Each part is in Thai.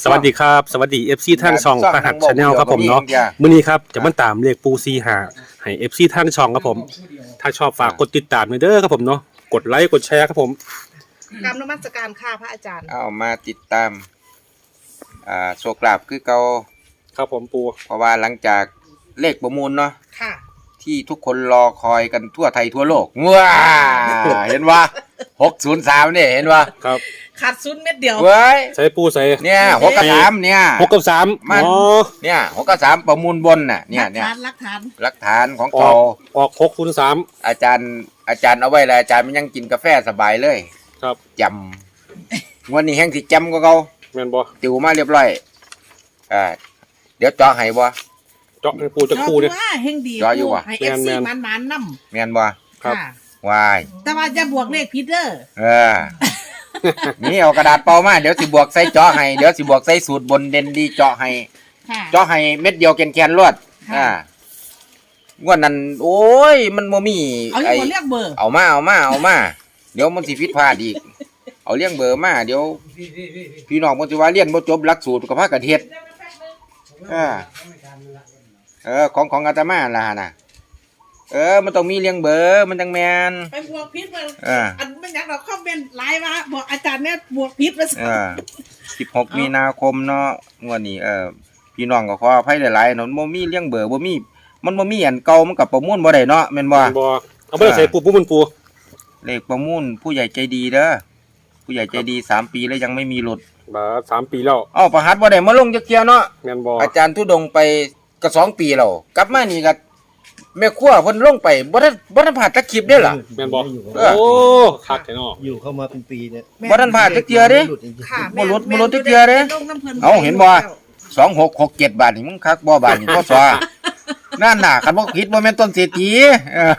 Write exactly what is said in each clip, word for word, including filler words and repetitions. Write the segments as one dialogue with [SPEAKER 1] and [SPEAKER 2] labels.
[SPEAKER 1] สวัสดีครับสวัสดี เอฟ ซี ทางช่องพหัส Channel ครับผมเนาะมื้อนี้ครับจะมาตามเลขปูซีหาให้ เอฟ ซี ทางช่องครับผมถ้าชอบฝากกดติดตามด้วยเด้อครับผมเนาะกดไลค์กดแชร์ครับผม
[SPEAKER 2] กรรมนมัสการค่ะพระอาจารย์
[SPEAKER 3] เอามาติดตามอ่าโชคลาภคือเก่า
[SPEAKER 1] ครับผมปู
[SPEAKER 3] เพราะว่าหลังจากเลขประมูลเนาะ
[SPEAKER 2] ค่ะ
[SPEAKER 3] ที่ทุกคนรอคอยกันทั่วไทยทั่วโลกว้าเห็นว่าหกศูนย์สามเนี่ยเห็นว่า
[SPEAKER 1] ครับ
[SPEAKER 2] ขาดซุนเม็ดเดียว
[SPEAKER 3] เว้ย
[SPEAKER 1] ใส่ปูใส่
[SPEAKER 3] เนี่ยหกกับสามเนี่ย
[SPEAKER 1] หกกับสาม
[SPEAKER 3] มันเนี่ยหกกับสามประมูลบนน่ะเนี่ยเนี่ย
[SPEAKER 2] หลักฐาน
[SPEAKER 3] หลักฐานของเขา
[SPEAKER 1] ออกหกศูนย์สาม
[SPEAKER 3] อาจารย์อาจารย์เอาไว้แล้วอาจารย์มันยังกินกาแฟสบายเลย
[SPEAKER 1] ครับ
[SPEAKER 3] จำวันนี้แห้งสิจำก็เขา
[SPEAKER 1] แม่นบ่
[SPEAKER 3] ติวมาเรียบร้อยอ่าเดี๋ยวเจาะให้บ่
[SPEAKER 1] เจาะให้ปูจะปูเนี่ย
[SPEAKER 2] เฮงดี
[SPEAKER 3] เจาะอยู่บ่
[SPEAKER 2] ให้ เอฟ ซี มันมันนำ
[SPEAKER 3] แม่นบ่
[SPEAKER 1] ครับ
[SPEAKER 3] วาย
[SPEAKER 2] แต่ว่าจะบวกเลขผิดเด้อ
[SPEAKER 3] เออนี่เอากระดาษเปล่ามาเดี๋ยวสิบวกใส่เจาะให้เดี๋ยวสิบวกใส่สูตรบนเด่นดีเจาะให้เจาะให้เม็ดเดียวแกนๆรวดอ่างวดนั้นโอ้ยมันบ่มี
[SPEAKER 2] เอาอยู่เรียกเบอร์
[SPEAKER 3] เอามาเอามาเอามาเดี๋ยวมันสิผิดพลาดอีกเอาเลี้ยงเบอร์มาเดี๋ยวพี่น้องมันสิว่าเรียนบ่จบหลักสูตรกับพากันเฮ็ดเออเออของของอาตมาล่ะน่ะเออมันต้องมีเลี้ยงเบอร์มันจังแม่น
[SPEAKER 2] ไปบวกผิดมาอันมันอยากเราคอมเมนต์ไลน์มาบอกอาจารย์เนี่ยบวกผิดมา
[SPEAKER 3] เออสิบหกมีนาคมเนาะงวดนี้เออพี่น้องก็ขออภัยหลายๆเนาะบ่มีเลี้ยงเบอร์บ่มีมันบ่มีอันเก่ามันก็ประมูลบ่ได้เนาะแม่นบ่
[SPEAKER 1] บ่เอาบ่ได้ใส่ปูปูมันปู
[SPEAKER 3] เลขประมูลผู้ใหญ่ใจดีเด้อผู้ใหญ่ใจดีสามปีแล้วยังไม่มีหลุด
[SPEAKER 1] บ่สามปีแล้ว
[SPEAKER 3] เอ้าประหัตบ่ได้มาลงจักเที่ยเนาะ
[SPEAKER 1] แม่นบ่
[SPEAKER 3] อาจารย์ทุดงไปก็สองปีแล้วกลับมานี่ก็แม่ครัวเพิ่นลงไปบ่ทันบ่ทันผ่านจักคลิปเด้อล่ะ
[SPEAKER 1] แม่นบ่โอ้คักแท้เนาะ
[SPEAKER 4] อยู่เข้ามาเป็นปีเนี่ย
[SPEAKER 3] บ่ทันผ่านจักเที่ยเด้
[SPEAKER 2] ค่ะ
[SPEAKER 3] บ่หลุดบ่หลุดจักเที่ยเด้เอ้าเห็นบ่สองหกหกเจ็ดบาทนี่มึงคักบ่บาทนี่พศนั่นน่ะคันบ่ผิดบ่แม่นต้นเศรษฐีเออ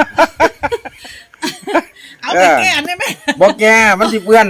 [SPEAKER 2] เอาไปแก้ได้มั้ย
[SPEAKER 3] บ่แก้มันสิเปื้อน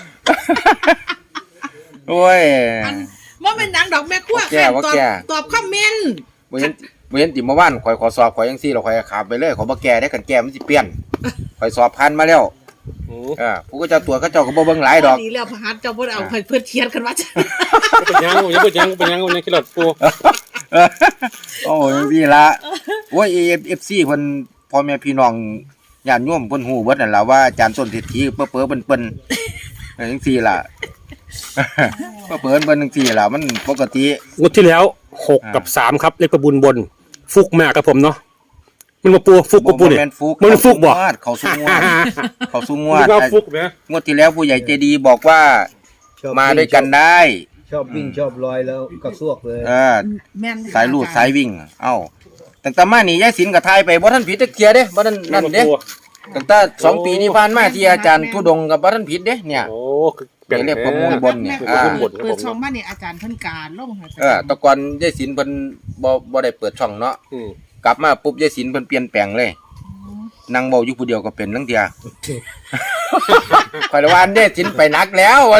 [SPEAKER 3] โอ้ย
[SPEAKER 2] บ่แม่นหยังดอกแม่ครัวค่ะตอบตอบคอมเมนต์
[SPEAKER 3] บ่เห็นบ่เห็นติเมื่อวานข่อยขอสอบข่อยจังซี่แล้วข่อยขามไปเลยข่อยบ่แก้ได้คันแก้มันสิเปลี่ยนข่อยสอบผ่านมาแล้วเออผู้ก็เจ้าตัวเขาเจ้าก็บ่เบิ่งหลายดอก
[SPEAKER 2] ดีแล้วพหัสเจ้าบ่เอาเพิ่นเขียนกันว่า
[SPEAKER 1] เป็นยังยังเป็นยังเป็นยังยังคิดหลอดปู
[SPEAKER 3] โอ้ยพี่ละโอ้ย เอฟ ซี เพิ่นพ่อแม่พี่น้องญาติโยมเพิ่นฮู้เบิดนั่นล่ะว่าอาจารย์ต้นเศรษฐีเป้อๆเปิ้นๆจังซี่ล่ะเป้อๆเปิ้นๆจังซี่ล่ะมันปกติ
[SPEAKER 1] งวดที่แล้วหกกับสามครับเลขประบุญบนฟุกมากครับผมเนาะมันมาปูฟุกกับปูนี่มันฟุกบ่
[SPEAKER 3] เขาสู้งวดเขาสู้งวด
[SPEAKER 1] ฟุกนะ
[SPEAKER 3] งวดที่แล้วผู้ใหญ่ใจดีบอกว่ามาด้วยกันได้
[SPEAKER 4] ชอบวิ่งชอบลอยแล้วกระซวกเลย
[SPEAKER 3] เออสายลูดสายวิ่งเอ้าตั้งแต่มานี่ยายศิลป์กับไทยไปบ่ทันผิดจักเที่ยเด้บ่ทันนั่นเด้ตั้งแต่สองปีที่ผ่านมาที่อาจารย์ทุดงกับบ่ทันผิดเด้เนี่ย
[SPEAKER 1] โอ้
[SPEAKER 3] เปลี่ยนเรียกประมูลบนเนี่ย
[SPEAKER 2] อ่าเปิดช่องมานี่อาจารย์เพิ่นการลง
[SPEAKER 3] เออแต่ก่อนยายศิลป์เพิ่นบ่บ่ได้เปิดช่องเนาะกลับมาปุ๊บยายศิลป์เพิ่นเปลี่ยนแปลงเลยนั่งเว้าอยู่ผู้เดียวก็เป็นทั้งเที่ยข่อยละวันยายศิลป์ไปนักแล้ววัน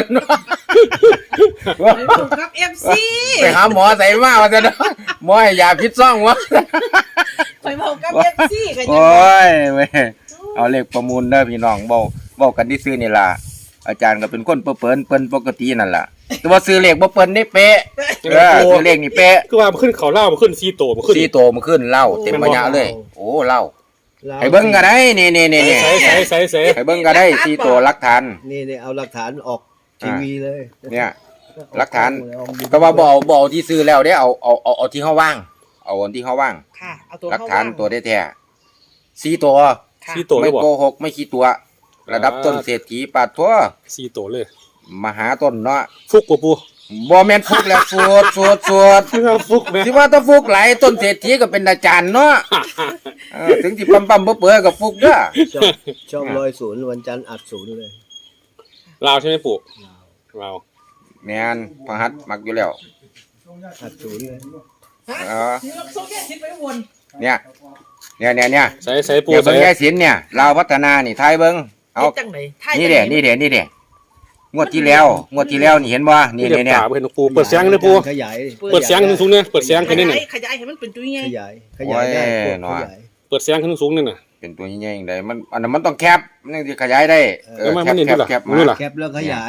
[SPEAKER 2] ครับ เอฟ ซี
[SPEAKER 3] ไปหาหมอใส่มาว่าซั่นหมอให้ยาพิษซ่องวะ
[SPEAKER 2] ข่อยเว้ากับ เอฟ ซี ก็ยัง
[SPEAKER 3] โอ้ยเว้ยเอาเลขประมูลเด้อพี่น้องเว้าเว้ากันซื่อๆนี่ล่ะอาจารย์ก็เป็นคนเปิ้นเปิ้นปกตินั่นล่ะแต่ว่าซื้อเลขบ่เปิ้นนี่เป๊ะเออซื้อเลขนี่เป๊ะ
[SPEAKER 1] คือว่ามันขึ้นเขาเล่ามันขึ้นสี่โตมันขึ้น
[SPEAKER 3] สี่โตมันขึ้นเล่าเต็มปัญญาเลยโอ้เล่าให้เบิ่งก็ได้นี่ๆๆๆใส่ๆๆให้เบิ่งก็ได้สี่โตหลักฐาน
[SPEAKER 4] นี่ๆเอาหลักฐานออกทีวีเลย
[SPEAKER 3] เนี่ยหลักฐานแต่ว่าบ่เอาบ่เอาที่ซื้อแล้วเด้เอาเอาเอาเอาที่เฮาว่างเอาอันที่เฮาว่าง
[SPEAKER 2] ค่ะเอาตัว
[SPEAKER 3] หลักฐานตัวแท้ๆสี่ตัว
[SPEAKER 1] สี่ตัว
[SPEAKER 3] ไม่โกหกไม่ขี้ตัวระดับต้นเศรษฐีปาดทั่ว
[SPEAKER 1] สี่ตัวเลย
[SPEAKER 3] มหาต้นเนาะ
[SPEAKER 1] ฟุกกว่าปู
[SPEAKER 3] บ่แม่นฟุกแล้วสวดสวดสวด
[SPEAKER 1] ฟุกแม่
[SPEAKER 3] สิว่าถ้าฟุกหลายต้นเศรษฐีก็เป็นอาจารย์เนาะเออถึงสิปั๊มๆเปื่อยๆก็ฟุกเด้อ
[SPEAKER 4] ชอบชอบร้อยศูนย์วันจันทร์อัดศูนย์เลย
[SPEAKER 1] ลาวใช่มั้ยปู่ลาว
[SPEAKER 3] แม่นพหัสมักอยู่แล้ว
[SPEAKER 4] อัดศูนย์เลย
[SPEAKER 3] เออเนี่ยเนี่ยเนี่ยเนี่ย
[SPEAKER 1] ใส่ใส่ปู
[SPEAKER 3] ใส่ยายศิลป์เนี่ยลาวพัฒนานี่ไทยเบิ่งเอานี่เด้นี่เด้นี่เด้งวดที่แล้วงวดที่แล้วนี่เห็นบ่นี่ๆเนี่ย
[SPEAKER 1] เห็นปูเปิดเสียงเลยปู
[SPEAKER 4] ขยาย
[SPEAKER 1] เปิดเสียงขึ้นสูงเนี่ยเปิดเสียงขึ้นนี่
[SPEAKER 2] ขยายให้มันเป็นตัวใหญ่
[SPEAKER 4] ขยายขยายได้
[SPEAKER 3] เนาะ
[SPEAKER 1] เปิดเสียงขึ้นสูงนี่น่ะ
[SPEAKER 3] เป็นตัวใหญ่ๆจังได๋มันอันนั้นมันต้องแคปมันสิขยายได้
[SPEAKER 1] เออแคปแคป
[SPEAKER 4] แคปแล้วขยาย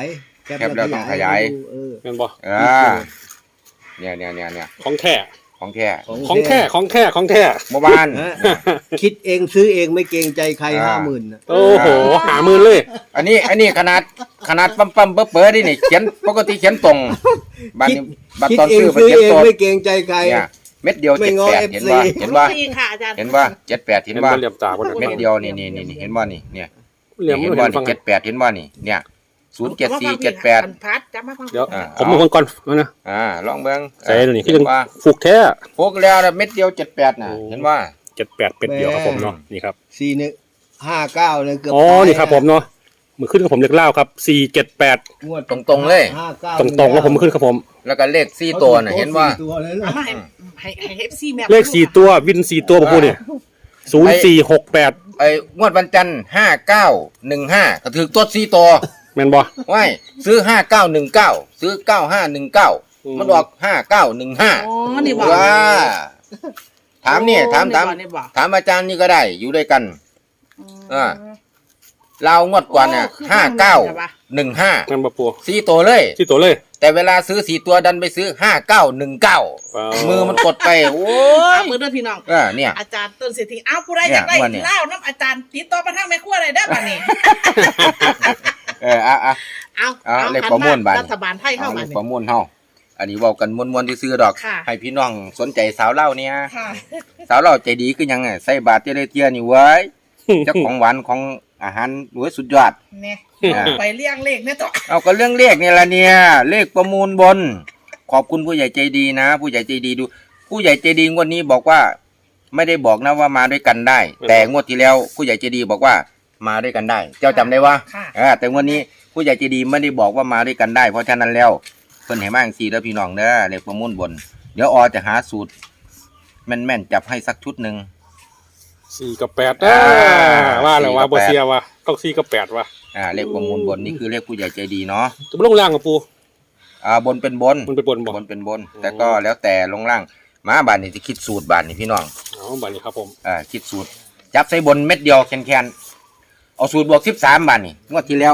[SPEAKER 4] แคป
[SPEAKER 3] แคปแล้วต้องขยาย
[SPEAKER 4] เออ
[SPEAKER 1] แม่นบ่
[SPEAKER 3] อ่าเนี่ยเนี่ยเนี่ยเนี่ย
[SPEAKER 1] ของแท้
[SPEAKER 3] ของแท้
[SPEAKER 1] ของแท้ของแท้ของแท้
[SPEAKER 3] เมื่อวาน
[SPEAKER 4] ฮะคิดเองซื้อเองไม่เกรงใจใคร
[SPEAKER 3] อ่า
[SPEAKER 4] ห้าหมื่น
[SPEAKER 1] โอ้โหหามือเลย
[SPEAKER 3] อันนี้อันนี้ขนาดขนาดปั๊มปั๊มเป๋อเป๋อดินี่เขียนปกติเขียนตรงบัตร
[SPEAKER 4] คิด
[SPEAKER 3] นี้บัตร
[SPEAKER 4] คิด
[SPEAKER 3] ตอน
[SPEAKER 4] เอง
[SPEAKER 3] ซื้อบัตร
[SPEAKER 4] ซื้อ
[SPEAKER 3] เขียน
[SPEAKER 4] เอง
[SPEAKER 3] ตรง
[SPEAKER 4] ไม่เกรงใจใคร
[SPEAKER 3] เนี่ยเม็ดเดียว
[SPEAKER 4] ไม่
[SPEAKER 3] เจ็ด
[SPEAKER 4] ง้อ
[SPEAKER 3] แปด
[SPEAKER 4] เอฟ
[SPEAKER 3] เห็น
[SPEAKER 4] ซี
[SPEAKER 3] ว่าเห็นว่า
[SPEAKER 2] ฟรีค่ะอาจารย์
[SPEAKER 3] เห็นว่าเจ็ดแปดเห็น
[SPEAKER 1] มัน
[SPEAKER 3] ว่า
[SPEAKER 1] บ่เหลี่ยมตาบ่
[SPEAKER 3] เม็ดเดียวนี่นี่นี่นี่เห็นว่านี่เนี่ย
[SPEAKER 1] เหลี่ยม
[SPEAKER 3] เห็น
[SPEAKER 1] มัน
[SPEAKER 3] ว่า
[SPEAKER 1] เห็นฟั
[SPEAKER 3] นี่
[SPEAKER 1] ง
[SPEAKER 3] เจ็ดแปดเห็นว่านี่เนี่ยศูนย์เจ็ดสี่เจ็ดแปด
[SPEAKER 2] พัดจับมาฟัง
[SPEAKER 1] เดี๋ยว
[SPEAKER 3] อ่า
[SPEAKER 1] ผมเป็นคนก่อนแล้วนะ
[SPEAKER 3] อ่าลองเบิ่ง
[SPEAKER 1] ใส่ตัวนี้คือยัง
[SPEAKER 3] เห็ว่า
[SPEAKER 1] ฟูกแท้
[SPEAKER 3] พกแล้วเม็ดเดียวเจ็ดแปดน่ะเห็นว่า
[SPEAKER 1] เจ็ดแปดเป็ดเดียวครับผมเนาะนี่ครับ
[SPEAKER 4] สี่หนึ่งห้าเก้าเลยเกือบ
[SPEAKER 1] อ๋อ
[SPEAKER 4] ตาย
[SPEAKER 1] นี่ครับผมเนาะมือขึ้นกับผมเล็กเล่าครับสี่เจ็ดแปด
[SPEAKER 4] งวด
[SPEAKER 3] ตรงๆเลย
[SPEAKER 4] ห้าเก้า
[SPEAKER 1] ตรงๆแล้วผมมือขึ้นครับผม
[SPEAKER 3] แล้วก็เลขสี่ตัวน่ะเห็นว่า
[SPEAKER 4] สี่ตัวเลยนะ
[SPEAKER 2] เอามาให้ให้ให้เอฟซีแม่
[SPEAKER 1] เลขสี่ตัววินสี่ตัวผมพูดเนี่ยศูนย์สี่หกแปด
[SPEAKER 3] ไอ้งวดวันจันทร์ห้าเก้าหนึ่งห้าก็ถือตัวสี่ตัว
[SPEAKER 1] แม่นบ่
[SPEAKER 3] ว้ายซื้อห้าเก้าหนึ่งเก้าซื้อเก้าห้าหนึ่งเก้ามันออกห้าเก้าหนึ่งห้า
[SPEAKER 2] อ๋อนี่บอก
[SPEAKER 3] ว้าถามนี่ถามถาม
[SPEAKER 2] นี่บอก
[SPEAKER 3] ถามอาจารย์นี่ก็ได้อยู่ด้วยกัน อ่า เรางวดกว่าเนี่ย
[SPEAKER 2] โอ้คือ
[SPEAKER 3] ห้า
[SPEAKER 2] ฟั
[SPEAKER 3] เก้าง
[SPEAKER 2] เลยว่ะ
[SPEAKER 3] หนึ่งห้า
[SPEAKER 1] แม่นบ่ปู
[SPEAKER 3] สี่ตัวเลย
[SPEAKER 1] ที่ตัวเลย
[SPEAKER 3] แต่เวลาซื้อสี่ตัวดันไปซื้อห้าเก้าหนึ่งเก้า
[SPEAKER 1] อ๋อ
[SPEAKER 3] มือมันกดไป โอ้ย
[SPEAKER 2] เอามือเด้อพี่น้อง
[SPEAKER 3] เออเนี่ย
[SPEAKER 2] อาจารย์ต้นเศรษฐีอ้าวผู้ใดอยากได้
[SPEAKER 3] เนี่ยวันนี้
[SPEAKER 2] เหล้าน้ำอาจารย์ติดต่อมาทางแม่ครัวอะไรได้อบ้านี้
[SPEAKER 3] เอออ่ะอ่ะ
[SPEAKER 2] เอา
[SPEAKER 3] เอาเลขประมวลบัตร
[SPEAKER 2] รัฐบาลไทยเข้า
[SPEAKER 3] เอา
[SPEAKER 2] มา
[SPEAKER 3] เลข
[SPEAKER 2] นี่
[SPEAKER 3] ประมวลเฮาอันนี้เว้ากันมวนๆที่ซื้อดอก
[SPEAKER 2] ค่ะ
[SPEAKER 3] ให้พี่น้องสนใจสาวเล่าเนี่ย
[SPEAKER 2] ค่ะ
[SPEAKER 3] สาวเล่าใจดีคือยังไงใส่บาตรเจริญเทียนี่เว้ยเจ้าของหวานของอาหารเว้ยสุดยอด
[SPEAKER 2] เนี่ย
[SPEAKER 3] อ่า
[SPEAKER 2] ไปเลี้ยงเลขเนี่ยต่อ
[SPEAKER 3] เอาก็เรื่องเลขนี่ละเนี่ยเลขประมูลบน ขอบคุณผู้ใหญ่ใจดีนะ ผู้ใหญ่ใจดีดู ผู้ใหญ่ใจดีงวดนี้บอกว่า ไม่ได้บอกนะว่ามาด้วยกันได้ แต่งวดที่แล้วผู้ใหญ่ใจดีบอกว่ามาด้วยกันได้ เจ้าจำได้ว่า
[SPEAKER 2] ค่ะ
[SPEAKER 3] เออแต่งวดนี้ผู้ใหญ่ใจดีไม่ได้บอกว่ามาด้วยกันได้ เพราะฉะนั้นแล้วเพิ่นให้มาจังซี่เด้อพี่น้องเด้อเลขประมูลบน เดี๋ยวออจะหาสูตร แม่นๆจับให้สักชุดหนึ่ง
[SPEAKER 1] สี่กับแปด
[SPEAKER 3] อ่า
[SPEAKER 1] ว่าแล้วว่า
[SPEAKER 3] สี่กับ
[SPEAKER 1] บ่
[SPEAKER 3] แปด
[SPEAKER 1] เสียว่าต้องสี่กับแปดว่ะ
[SPEAKER 3] อ่าเลขประมูลบนนี่คือเลขผู้ใหญ่ใจดีเนาะ
[SPEAKER 1] จะบ่ลงล่างกับปู
[SPEAKER 3] อ่าบนเป็นบน
[SPEAKER 1] มันไปบนบ่
[SPEAKER 3] บนเป็นบน แต่ก็แล้วแต่ลงล่างมาบานนี่จะคิดสูตรบานนี่พี่น้อง
[SPEAKER 1] เอาบัดนี้ครับผม
[SPEAKER 3] อ่าคิดสูตร จับใส่บนเม็ดเดียวแคนๆเอาสูตรบวกสิบสามบานนี่งวดที่แล้ว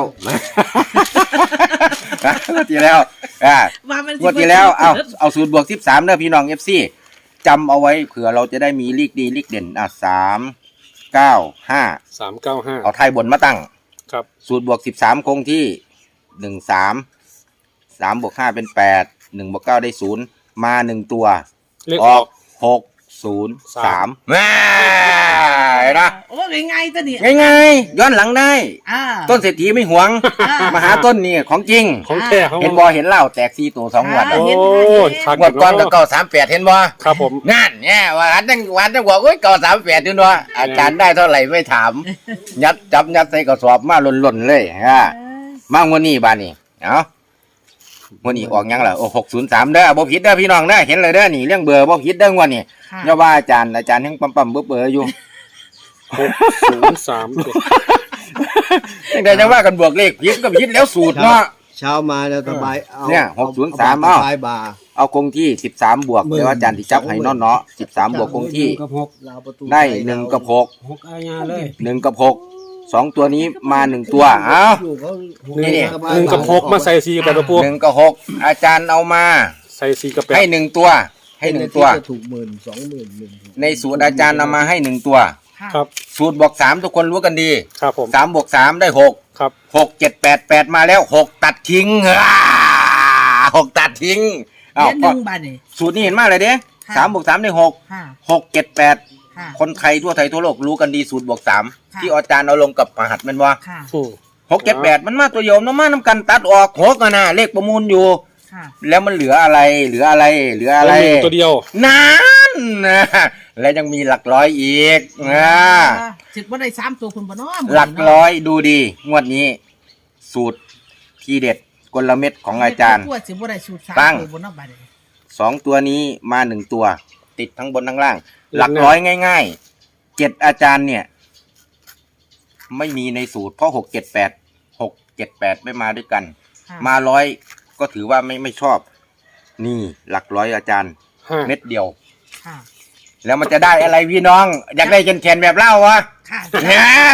[SPEAKER 3] งวดที่แล้วอ่า
[SPEAKER 2] ว่ามันสิ
[SPEAKER 3] งวดที่แล้วเอาเอาสูตรบวกสิบสามเด้อพี่น้องเอฟซีจำเอาไว้เผื่อเราจะได้มีลีกดีลีกเด่นอ่ะสามเก้าห้า
[SPEAKER 1] สามเก้าห้า
[SPEAKER 3] เอาไทยบนมาตั้ง
[SPEAKER 1] ครับ
[SPEAKER 3] สูตรบวกสิบสามคงที่หนึ่งสามสามบวกห้าเป็นแปดหนึ่งบวกเก้าได้ศูนย์มาหนึ่งตัว
[SPEAKER 1] เลข
[SPEAKER 3] อ
[SPEAKER 1] อ
[SPEAKER 3] อ
[SPEAKER 1] อก ก
[SPEAKER 3] หกศูนย์สา
[SPEAKER 1] สาม ม
[SPEAKER 3] แม่เห็นนะ
[SPEAKER 2] โอ้ยง่ายๆตัวนี้
[SPEAKER 3] ง่ายๆย้อนหลังได้
[SPEAKER 2] อ่า
[SPEAKER 3] ต้นเศรษฐีไม่หวง
[SPEAKER 2] อ่าม
[SPEAKER 3] มาหาต้นนี่ของจริง
[SPEAKER 1] ของแท้ของ
[SPEAKER 3] เห็นบอเห็นเหล้าแตกซีตัวสองงวด
[SPEAKER 2] อ่า
[SPEAKER 1] โอ้ชัก
[SPEAKER 3] งวดก่อนก็เก้าสามแปดเห็นบ่
[SPEAKER 1] ครับผม
[SPEAKER 3] นั่นเนี่ยวันนั้นวันนั้นบอกว่าเก้าสามแปดด้วยเนาะอาจารย์ได้เท่าไหร่ไม่ถาม ยัดจับยัดใส่กระสอบมาหล่นๆเลยฮะมางวดนี้บานนี้เอ้างวดนี้ออกยังล่ะโอ้หกศูนย์สามเด้อบ่ผิดเด้อพี่น้องเด้อเห็นเลยเด้อนี่เรื่องเบอร์บ่ผิดเด้องวดนี้
[SPEAKER 2] ค่ะ
[SPEAKER 3] อย่าว่าอาจารย์อาจารย์ยังปั๊มปั๊มเบอร์เบอร์อยู่
[SPEAKER 1] หกศูนย์สาม
[SPEAKER 3] ยังไงจะว่ากันบวกเลขผิดก็ผิดแล้วสูตรเนาะ
[SPEAKER 4] เช้ามาแล้วสบายเอา
[SPEAKER 3] เนี่ยหกศูนย์สาม
[SPEAKER 4] เอา
[SPEAKER 3] เอา
[SPEAKER 4] สบายบาร์
[SPEAKER 3] เอาคงที่สิบสามบวก
[SPEAKER 4] หมื่น
[SPEAKER 3] เดี๋ยวอาจารย์ที่จับให้เนาะเนาะสิบสามบวกคงที่
[SPEAKER 5] กับหก
[SPEAKER 4] ราวประตู
[SPEAKER 3] ได้หนึ่งกับหก
[SPEAKER 5] หกอาญาเลย
[SPEAKER 3] หนึ่งกับหกสองตัวนี้มาหนึ่งตัวเอ้า
[SPEAKER 4] อยู่เขา
[SPEAKER 3] นี่นี่
[SPEAKER 4] สบาย
[SPEAKER 1] หนึ่งกับหกมาใส่สี่กับแปดตัวปู
[SPEAKER 3] หนึ่งกับหกอาจารย์เอามา
[SPEAKER 1] ใส่สี่กับแปด
[SPEAKER 3] ให้หนึ่งตัว ให้หนึ่งตัว
[SPEAKER 4] จะถูกหมื่นสองหมื่นหนึ่ง
[SPEAKER 3] ในสูตรอาจารย์เอามาให้หนึ่งตัว
[SPEAKER 2] ค่ะ
[SPEAKER 1] ครับ
[SPEAKER 3] สูตรบวกสามทุกคนรู้กันดี
[SPEAKER 1] ครับผม
[SPEAKER 3] สามบวกสามได้หก
[SPEAKER 1] ครับ
[SPEAKER 3] หกเจ็ดแปดแปดมาแล้วหกตัดทิ้งอ่าหกตัดทิ้ง
[SPEAKER 2] เดื
[SPEAKER 3] อ้าว
[SPEAKER 2] อนหนึ่งบาทนี่
[SPEAKER 3] สูตรนี้เห็นมากเลยเด้
[SPEAKER 2] ค่ะ
[SPEAKER 3] สามบวกสามได้หก
[SPEAKER 2] ค่ะ
[SPEAKER 3] หกเจ็ดแปด
[SPEAKER 2] ค่ะ
[SPEAKER 3] คนไทยทั่วไทยทั่วโลกรู้กันดีสูตรบวกสาม
[SPEAKER 2] ค่ะ
[SPEAKER 3] ที่อาจารย์เอาลงกับมหัดแมันว่า
[SPEAKER 2] ค่ะ
[SPEAKER 1] อืม
[SPEAKER 3] หกเจ็ดแปดมันมาตัวโยมน้ำมาน้ำกันตัดออกหกอะนะเลขประมูลอยู่
[SPEAKER 2] ค่ะ
[SPEAKER 3] แล้วมันเหลืออะไร เหลืออะไร เหลืออะไร
[SPEAKER 1] ตัวหนึ่งตัวเดียว
[SPEAKER 3] นั่นนะและยังมีหลักร้อยอีกนะ
[SPEAKER 2] สิบว่าได้สามตัวคุณบ่เนาะ
[SPEAKER 3] หลักร้อยดูดี งวดนี้ สูตรทีเด็ดกลเม็ดของอาจารย์
[SPEAKER 2] ตัวสิบว่าได้สูตรสาม
[SPEAKER 3] ตั้ง
[SPEAKER 2] ตัวบ่เนาะบาทนี่
[SPEAKER 3] สองตัวนี้มาหนึ่งตัว ติดทั้งบนทั้งล่าง หลักร้อยง่ายๆเจ็ดอาจารย์เนี่ย ไม่มีในสูตรเพราะหกเจ็ดแปดหกเจ็ดแปดไม่มาด้วยกัน
[SPEAKER 2] ค่ะ
[SPEAKER 3] มาร้อยก็ถือว่าไม่ไม่ชอบ นี่หลักร้อยอาจารย์
[SPEAKER 1] ห้า
[SPEAKER 3] เม็ดเดียว
[SPEAKER 2] ค่ะ
[SPEAKER 3] แล้วมันจะได้อะไรพี่น้อง อยากได้แขนๆแบบเล่าวะ
[SPEAKER 2] ค่ะ
[SPEAKER 3] เนี่ย
[SPEAKER 2] สามตัว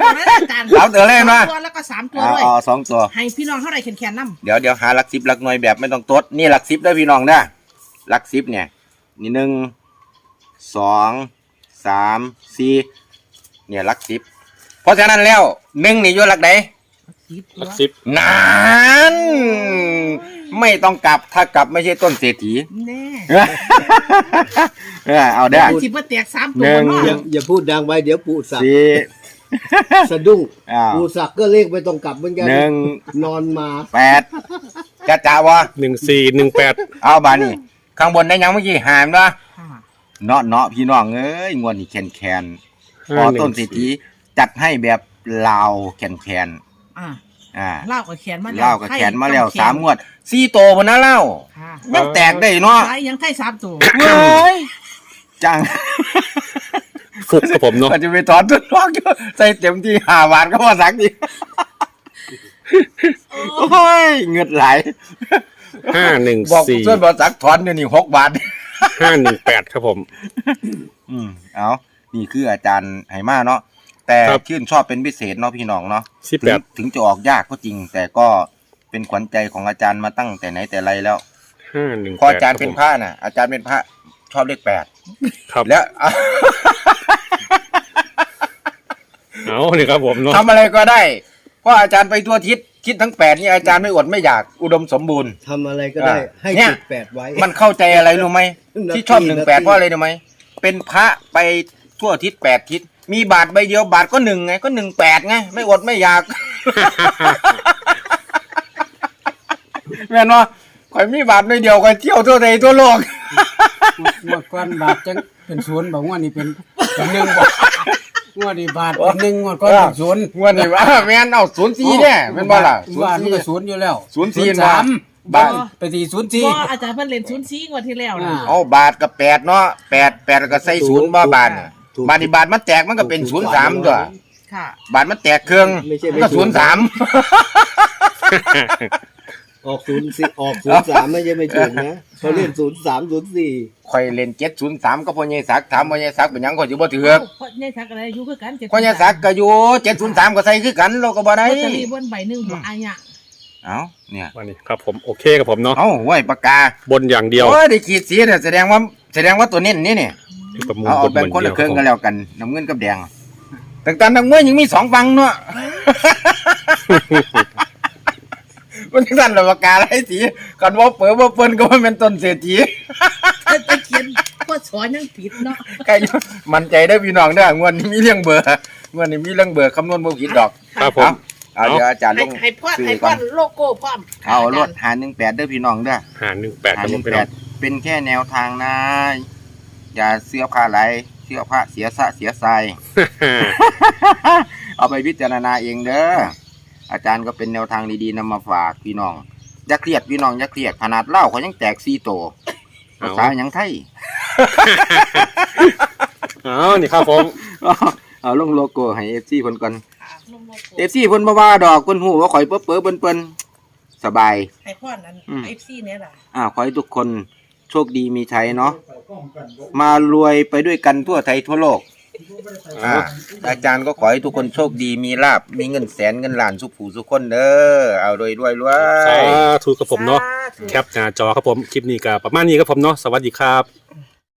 [SPEAKER 2] นะอาจารย์
[SPEAKER 3] สามตัวเลยนะ
[SPEAKER 2] สองตัวแล้วก็สามตัว
[SPEAKER 3] อ๋อ
[SPEAKER 2] ด้วย
[SPEAKER 3] อ๋อสองตัว
[SPEAKER 2] ให้พี่น้องเท่าไหร่แขนๆน้ำ
[SPEAKER 3] เดี๋ยวเดี๋ยวหาหลักสิบหลักหน่วยแบบไม่ต้องตดนี่หลักสิบได้อพี่น้องนะหลักสิบเนี่ยนี่หนึ่งสองสามสี่เนี่ยหลักสิบเพราะฉะนั้นแล้วหนึ่งนี่อยู่หลักใด
[SPEAKER 1] หลักสิบ
[SPEAKER 3] นานไม่ต้องกลับถ้ากลับไม่ใช่ต้นเศรษฐี
[SPEAKER 2] แน่
[SPEAKER 3] เออเอาได้อ
[SPEAKER 2] สิบว่าแตกสามตัว
[SPEAKER 3] หนึ่ง
[SPEAKER 2] เนาะ
[SPEAKER 4] อย่าอย่าพูดดังไปเดี๋ยวปู่สัก
[SPEAKER 3] สี่
[SPEAKER 4] สะดุ้ง
[SPEAKER 3] อ้าว
[SPEAKER 4] ปู่สักก็เลขไม่ต้องกลับเหมือนกัน
[SPEAKER 3] หนึ่ง
[SPEAKER 4] นอนมา
[SPEAKER 3] แปดจะจ่าวะ
[SPEAKER 1] หนึ่งสี่หนึ่งแปด
[SPEAKER 3] เอาบานี่ข้างบนได้ยังเมื่อกี้หามนะ
[SPEAKER 2] ค่ะ
[SPEAKER 3] เนาะเนาะพี่น้องเอ้ยงวดนี้แคนแคนพอต้นเศรษฐีจัดให้แบบลาวแคนแคน
[SPEAKER 2] อ่า
[SPEAKER 3] อ่า
[SPEAKER 2] เล่ากับแขนมาแล้ว
[SPEAKER 3] เล่ากับแขนมาแล้ว
[SPEAKER 2] ไข่
[SPEAKER 3] สามงวดสี่โตพนนะเล่า
[SPEAKER 2] ค่ะ
[SPEAKER 3] ยังแตกได้เนาะ
[SPEAKER 2] ไข่ยังไข่สามตัว
[SPEAKER 3] เว้ยจัง
[SPEAKER 1] ฟุกครับผมเนาะ
[SPEAKER 3] ก็จะไปถอนต้นนอกอยู่ใส่เต็มที่ห้าบาทก็พอสักทีโอ้ยเงินไหล
[SPEAKER 1] ห้าหนึ่ง
[SPEAKER 3] บอก
[SPEAKER 1] สี่
[SPEAKER 3] ส่วนบอสักถอนเดี๋ยวนี้หกบาท
[SPEAKER 1] ห้าหนึ่งแปดครับผม
[SPEAKER 3] อืมเอานี่คืออาจารย์ไหมาเนาะแต่
[SPEAKER 1] ครับ
[SPEAKER 3] ชื่นชอบเป็นพิเศษเนาะพี่น้องเนาะ
[SPEAKER 1] สิบแปด
[SPEAKER 3] ถึงถึงจะออกยากก็จริง แต่ก็เป็นขวัญใจของอาจารย์มาตั้งแต่ไหนแต่ไรแล้ว
[SPEAKER 1] ห้าหนึ่ง
[SPEAKER 3] พออาจารย์เป็นพระน่ะอาจารย์เป็นพระชอบเลขแปด
[SPEAKER 1] ครับ
[SPEAKER 3] แล้ว
[SPEAKER 1] เอาเลยครับผมเนาะ
[SPEAKER 3] ทำอะไรก็ได้เพราะอาจารย์ไปทั่วทิศทิศทั้งแปดนี่อาจารย์ไม่อดไม่อยากอุดมสมบูรณ์
[SPEAKER 4] ทำอะไรก็ได้
[SPEAKER 3] อ่า
[SPEAKER 4] ให้
[SPEAKER 3] เนี่ย
[SPEAKER 4] จุดแปดไว้
[SPEAKER 3] มันเข้าใจอะไรรู้ไหม
[SPEAKER 4] นาที
[SPEAKER 3] ที่ชอบหนึ่งแปด
[SPEAKER 4] นาที
[SPEAKER 3] เพราะอะไรรู้ไหมเป็นพระไปทั่วทิศแปดทิศมีบาทใบเดียวบาทก็หนึ่งไงก็หนึ่งแปดไงไม่อดไม่อยาก แม่นว่าข่อยมีบาทใบเดียวข่อยเที่ยวทั่วไทยทั่วโลก
[SPEAKER 5] งวดก่อนบาทจังเป็นศูนย์บอกงวดนี้เป็นเป็นหนึ่งบอกงวดนี้บาทเป็นหนึ่งงวดก่อนเป็นศูนย์
[SPEAKER 3] งวดนี้ว่าแม่นเอาศูนย์สี่เนี่ยแม่นบ่ล่ะศูน
[SPEAKER 5] บาท
[SPEAKER 3] ย์
[SPEAKER 5] มัน
[SPEAKER 3] สี่
[SPEAKER 5] ก็ศูนย์อยู่แล้ว
[SPEAKER 3] ศูนย์สี่
[SPEAKER 5] สาม
[SPEAKER 3] บาท
[SPEAKER 5] ไปตีศูนย์สี่
[SPEAKER 2] ก็อาจารย์เพิ่นเล่นศูนย์สี่งวดที่แล้วนะ
[SPEAKER 5] อ่า
[SPEAKER 3] เอาบาทกับแปดเนาะแปดแปดแล้วก็ใส่ศูนย์บ่บาทเนี่ย
[SPEAKER 4] ถูก
[SPEAKER 3] บาทนี่บาทมันแตกมันก็เป็นศูนย์สามตัว
[SPEAKER 2] ค่ะ
[SPEAKER 3] บาทมันแตกเครื่อง
[SPEAKER 4] ไม่ใช่
[SPEAKER 3] มันก็ศูนย์สาม
[SPEAKER 4] ออกศูนย์สี่ออกศูนย์สามไม่ใช่ไม่ถูกนะเขาเล่นศูนย์สามศูนย์สี่
[SPEAKER 3] ข่อยเล่นเจ็ดศูนย์สามก็พ่อใหญ่ศักดิ์ถามพ่อใหญ่ศักดิ์เป็นหยังข่อยสิบ่ถือก
[SPEAKER 2] เพราะเนี่ยทักอะไรอยู่คือกันเจ็ด
[SPEAKER 3] พ่อใหญ่ศักดิ์ก็อยู่เจ็ดศูนย์สามก็ใส่คือกันเราก็บ่ได้
[SPEAKER 2] ลอตเตอรี่บนใบหนึ่งหัวอายะ
[SPEAKER 3] เอ้าเนี่ย
[SPEAKER 1] วันนี้ครับผมโอเคครับผมเนาะ
[SPEAKER 3] เอ้าห้วยปากกา
[SPEAKER 1] บนอย่างเดียว
[SPEAKER 3] โอ้ยได้ขีดสีเนี่ยแสดงว่าแสดงว่าตัวเน้นนี่เนี่ย
[SPEAKER 1] ประมูล
[SPEAKER 3] เอา
[SPEAKER 1] บ
[SPEAKER 3] เอา
[SPEAKER 1] น
[SPEAKER 3] แบ่ง
[SPEAKER 1] บน
[SPEAKER 3] คน
[SPEAKER 1] เดี
[SPEAKER 3] ละ
[SPEAKER 1] ยว
[SPEAKER 3] ครึ่ง
[SPEAKER 1] ค
[SPEAKER 3] กั
[SPEAKER 1] รับ
[SPEAKER 3] นแล้วกันน้ำเงินกับแดงต่างๆน้ำเงินยังมีสองฝั่งเนาะ มันสั่นละปากกาไรสีกันว่าเปิดว่าเปิ้นก็ว่าเป็นต้นเศรษฐี
[SPEAKER 2] ตะเขียนก็สอนยังผิดเนาะ
[SPEAKER 3] ใครมั่นใจได้อพี่น้องเด้องวดนี้มีเรื่องเบอร์งวดนี้มีเรื่องเบอร์คำนวณบ่ผิดดอก
[SPEAKER 1] ครับผม
[SPEAKER 3] เอาเดี๋ยวอาจารย์ล
[SPEAKER 2] ให้
[SPEAKER 3] ง
[SPEAKER 2] ให้พ่อ
[SPEAKER 3] ซื้
[SPEAKER 2] ให้
[SPEAKER 3] อ
[SPEAKER 2] พ่
[SPEAKER 3] ก่
[SPEAKER 2] อ
[SPEAKER 3] อน
[SPEAKER 2] โลโก้พร้อม
[SPEAKER 3] เอารถหาหนึ่งแปดเด้อพี่น้องเด้อ
[SPEAKER 1] หาหนึ่งแปดค
[SPEAKER 3] หา
[SPEAKER 1] รับ
[SPEAKER 3] ห
[SPEAKER 1] ผ
[SPEAKER 3] นึ่
[SPEAKER 1] ม
[SPEAKER 3] ง
[SPEAKER 1] พี่
[SPEAKER 3] แป
[SPEAKER 1] น้อ
[SPEAKER 3] ด
[SPEAKER 1] ง
[SPEAKER 3] เป็นแค่แนวทางนะอย่าเสื้อผ้าไหลเสื้อผ้าเสียสะเสียใส เอาไปพิจารณาเองเด้ออาจารย์ก็เป็นแนวทางดีๆนำมาฝากพี่น้องอย่าเครียดพี่น้องอย่าเครียดขนาดเหล้าเขายังแตกซีโตภาษาหยังไทย
[SPEAKER 1] เอานี่ครับผม
[SPEAKER 3] เอาลงโลโก้ให้ เอฟ ซี เพิ่นก่อน
[SPEAKER 2] ค่ะลงโลโก้
[SPEAKER 3] เอฟ ซี เพิ่นบ่ว่าดอกเพิ่นฮู้ว่าข่อยเป้อๆเปิ้นๆสบาย
[SPEAKER 2] ให้พ่อนั้น
[SPEAKER 3] อืม
[SPEAKER 2] เอฟซีเนี่ยล่ะ
[SPEAKER 3] อ่าขอให้ทุกคนโชคดีมีชัยเนาะมารวยไปด้วยกันทั่วไทยทั่วโลกอ่าอาจารย์ก็ขอให้ทุกคนโชคดีมีลาบมีเงินแสนเงินล้านสุขผู้สุขคนเด้อเอารวยรวยรวย
[SPEAKER 1] สาธุครับผมเนาะแคปหน้าจอครับผมคลิปนี้ก็ประมาณนี้ครับผมเนาะสวัสดีครับ